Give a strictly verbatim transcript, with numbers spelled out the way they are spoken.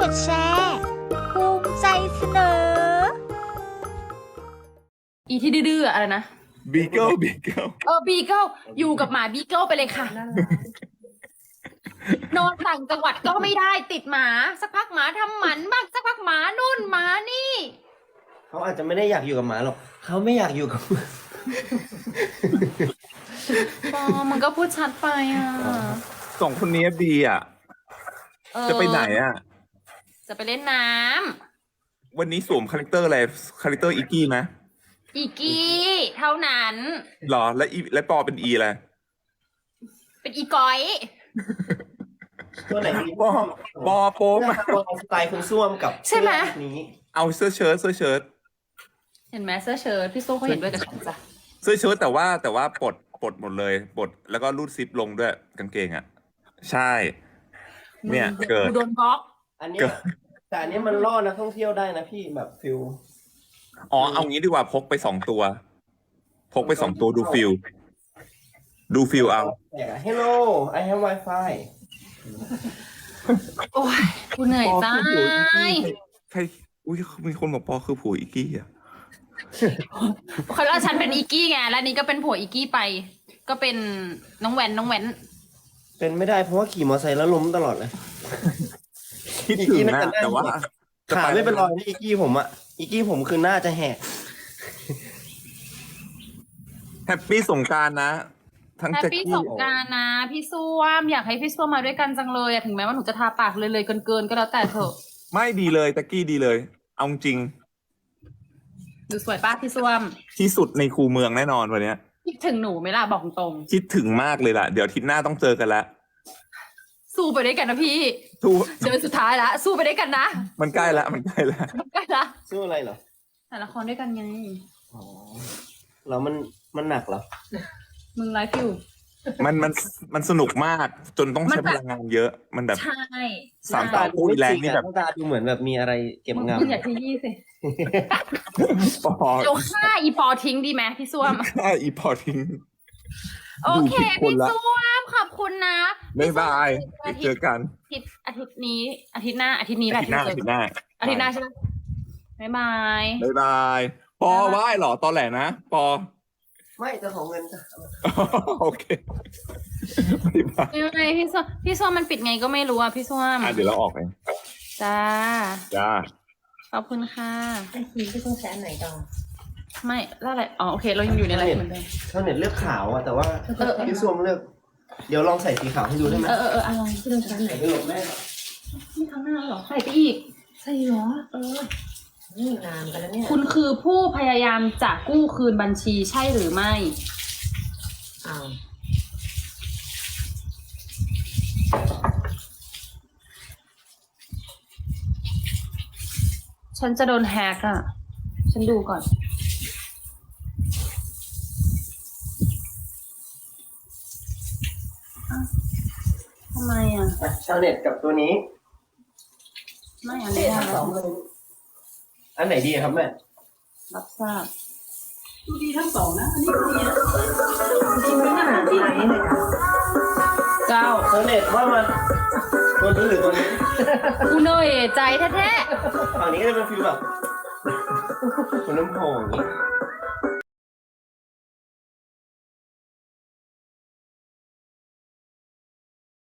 ดแชร์ภูมิใจเสนออีที่ดื้อๆอะไรนะบีเกิลบีเกิลเออบีเกิลอยู่กับหมาบีเกิลไปเลยค่ะนอนต่างจังหวัดก็ไม่ได้ติดหมาสักพักหมาทำหมันบ้างสักพักหมานู่นหมานี่เขาอาจจะไม่ได้อยากอยู่กับหมาหรอกเขาไม่อยากอยู่กับมึงปอมันก็พูดชัดไปอ่ะสองคนนี้บีอ่ะเออจะไปไหนอ่ะจะไปเล่นน้ำวันนี้สวมคาแรคเตอร์อะไรคาแรคเตอร์อีกี้ไหมอีกี้เท่านั้นหรอและอีและปอเป็นอีอะไรเป็นอีก้อยตัวไหนปอปอโป๊มอะตัวสไตล์คุณส้วมกับใช่ไหมเสื้อนี้เอาเสื้อเชิ้ตเสื้อเชิ้ตเห็นไหมเสื้อเชิ้ตพี่โซ่เขาเห็นด้วยกับฉันจ้ะเสื้อเชิ้ตแต่ว่าแต่ว่าปลดปลดหมดเลยปลดแล้วก็รูดซิปลงด้วยกางเกงอ่ะ ใช่ เนี่ยเกิดโดนบล็อกอันเนี้ยแต่อันเนี้ยมันล่อนักท่องเที่ยวได้นะพี่แบบฟิลอ๋อเอางี้ดีกว่าพกไปสองตัว พกไปสองตัวดูฟิลดูฟิลเอาแต่ Hello I have Wi-Fi โอ้ยกูเหนื่อยจ้าใครอุ้ยมีคนบอกปอคือผัวอีกี้อ่ะเขาว่าฉันเป็นอีกี้ไงแล้วนี่ก็เป็นผัวอีกี้ไป ก็เป็นน้องแหวนน้องแหวนเป็นไม่ได้เพราะว่าขี่มอเตอร์ไซค์แล้วล้มตลอดเลยคิดถึงนะแต่ว่าขาไม่เป็นรอยนี่อีกี้ผมอะอีกี้ผมคือหน้าจะแหกแฮปปี้สงกรานต์นะ ทั้งแฮปแจ็คปี้กี้สงกรารนะ พี่ส้วมอยากให้พี่ส้วมมาด้วยกันจังเลยอะถึงแม้ว่าหนูจะทาปากเลยเลยๆเกินๆก็แล้วแต่เถอะไม่ดีเลยแจ็คกี้ดีเลย เอาจริงดูสวยป้าพี่ส้วมที่สุดในคูเมืองแน่นอนวันเนี้ยคิดถึงหนูไหมล่ะบอกตรงคิดถึงมากเลยล่ะ เดี๋ยวอาทิตย์หน้าต้องเจอกันแล้วสู้ไปด้วยกันนะพี่ทูเดินสุดท้ายละสู้ไปด้วยกันนะมันใกล้ละมันใกล้ละใกล้ละสู้อะไรเหรอถ่ายละครด้วยกันไงอ๋อแล้วมันมันหนักเหรอมึงไลฟ์อยู่มันมันมันสนุกมาก จนต้องมันใช้แบบพลังงานเยอะ มันแบบใช่สามใช่ต่อ อุ้ยแรงนี่แบบหาตาดูเหมือนแบบมีอะไรเก็บมึงงำมึงอย่าขยี้สิปอเดี๋ยวฆ่าอีปอทิ้งดีไหมพี่ส้วมค่าอีพอทิ้งโอเคดูผิดคนพี่ละส้วมขอบคุณนะบ๊ายบายอาเจทิตอย์กันอาทิตย์อาทิตย์นี้ อาทิตย์หน้าอาทิตย์นี้แหอาละทิตย์หน้าอาทิตย์หน้าอาทิตย์หน้าใช่ไหมบ๊ายบายบ๊ายบาย ปอไหว้เหรอตอนแหลนะปอไม่จะของเงินจ้ะโอเคบ๊ายบายยังไงพี่ส้วมพี่ส้วมมันปิดไงก็ไม่รู้อ่ะพี่ส้วมอ่ะเดี๋ยวเราออกเองจ้าจ้าขอบคุณค่ะไอทีที่ต้องใช้อันไหนต่อไม่แล้วอะไรอ๋อโอเค เรายังอยู่ในไลฟ์เหมือนเดิมชาวเน็ตเลือกขาวอะแต่ว่าเออพี่ส้วมเลือก เดี๋ยวลองใส่สีขาวให้ดูได้ไหมเออเออเอออะไรที่ต้องใช้อันไหนไม่หลบแม่ไม่ทำหน้าหรอใส่ไปอีกใช่เหรอ เออ นี่นานไปแล้วเนี่ยคุณคือผู้พยายามจะกู้คืนบัญชีใช่หรือไม่อ้าวฉันจะโดนแฮกอ่ะ ฉันดูก่อนอ้าวทำไมอ่ะอ่ะชาวเน็ตกับตัวนี้ไม่อันนี้ได้สแล้อวงเลยอันไหนดีครับแม่รับทราบจริงๆไม่น่าหาที่ไหนเลยนะเก้าชาวเน็ตว่ามาตัวนี้หรือตัวนี้กูเหนื่อยใจแท้ฝั่งนี้ก็จะเป็นฟิลแบบคุณน้ำโพงอย่างนี้